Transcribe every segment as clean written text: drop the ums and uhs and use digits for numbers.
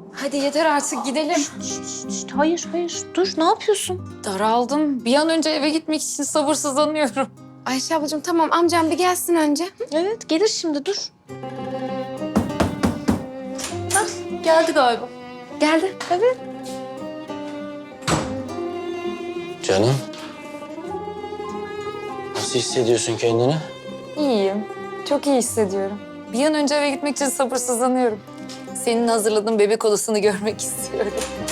Hadi yeter artık gidelim. Hayır. Dur, ne yapıyorsun? Daraldım. Bir an önce eve gitmek için sabırsızlanıyorum. Ayşe ablacığım tamam amcam bir gelsin önce. Hı? Evet, gelir şimdi, dur. Geldi galiba. Geldi. Evet. Canım. Nasıl hissediyorsun kendini? İyiyim. Çok iyi hissediyorum. Bir an önce eve gitmek için sabırsızlanıyorum. Senin hazırladığın bebek odasını görmek istiyorum.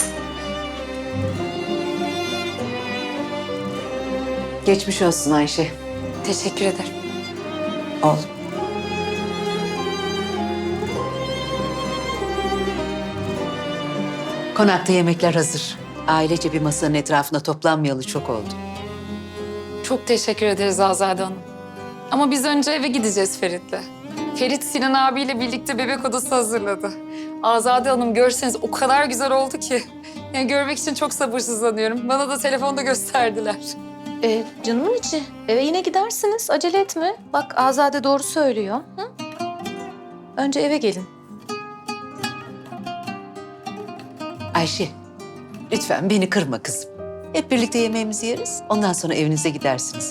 Geçmiş olsun Ayşe. Teşekkür ederim. Oğlum. Konakta yemekler hazır. Ailece bir masanın etrafında toplanmayalı çok oldu. Çok teşekkür ederiz Azade Hanım. Ama biz önce eve gideceğiz Ferit'le. Ferit Sinan abiyle birlikte bebek odası hazırladı. Azade Hanım görseniz o kadar güzel oldu ki. Yani görmek için çok sabırsızlanıyorum. Bana da telefonda gösterdiler. Canımın içi. Eve yine gidersiniz. Acele etme. Bak Azade doğru söylüyor. Hı? Önce eve gelin. Ayşe, lütfen beni kırma kızım. Hep birlikte yemeğimizi yeriz. Ondan sonra evinize gidersiniz.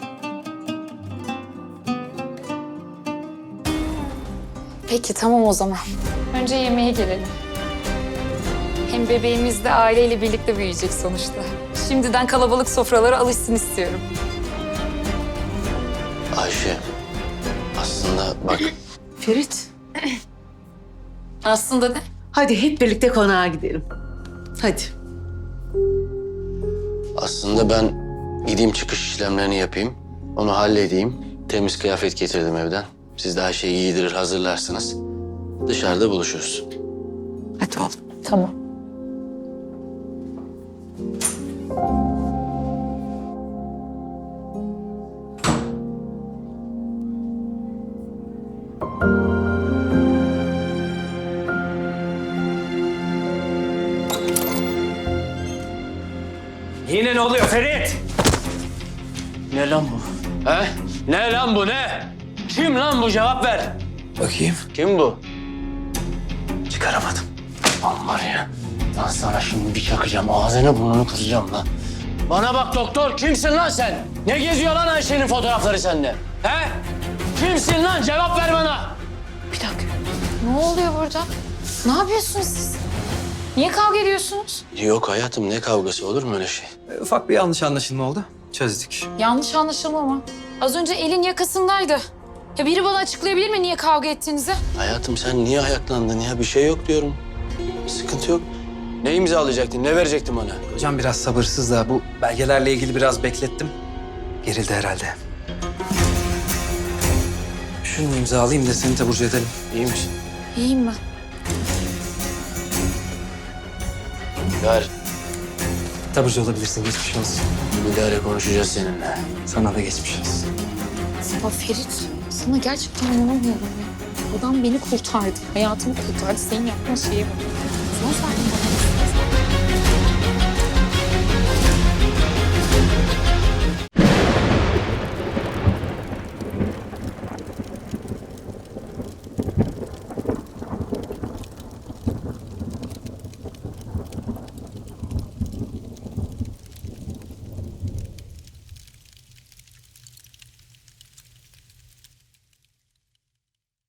Peki tamam o zaman. Önce yemeğe gelelim. Hem bebeğimiz de aileyle birlikte büyüyecek sonuçta. Şimdiden kalabalık sofralara alışsın istiyorum. Ayşe. Aslında bak Ferit, Aslında ne? hadi hep birlikte konağa gidelim. Hadi. aslında ben gideyim çıkış işlemlerini yapayım. Onu halledeyim. Temiz kıyafet getirdim evden. Siz de her şeyi giydirir hazırlarsınız. Dışarıda buluşuruz. Hadi oğlum. Tamam. Yine ne oluyor Ferit? Ne lan bu? He? Ne lan bu ne? Kim lan bu, cevap ver. Bakayım. Kim bu? Çıkaramadım. Lan var ya. Lan sana şimdi bir çakacağım. Ağzını burnunu kıracağım lan. Bana bak doktor. Kimsin lan sen? Ne geziyor lan Ayşe'nin fotoğrafları sende? He? Kimsin lan? Cevap ver bana. Bir dakika. Ne oluyor burada? Ne yapıyorsunuz siz? Niye kavga ediyorsunuz? Yok hayatım, ne kavgası, olur mu öyle şey? Ufak bir yanlış anlaşılma oldu. Çözdük. Yanlış anlaşılma mı? Az önce elin yakasındaydı. Ya biri bana açıklayabilir mi niye kavga ettiğinizi? Hayatım sen niye ayaklandın ya? Bir şey yok diyorum. Sıkıntı yok. Ne imzalayacaktın? Ne verecektin bana? Hocam biraz sabırsız da bu belgelerle ilgili biraz beklettim. Gerildi herhalde. Şunu imzalayayım da seni taburcu edelim. İyi misin? İyiyim ben. Ver. Taburcu olabilirsin, geçmiş olsun. Bir daha konuşacağız seninle. Sana da geçmiş olsun. Ya Ferit, sana gerçekten inanamıyorum ya. Adam beni kurtardı, hayatımı kurtardı. Senin yaptığın şeye bak. Sen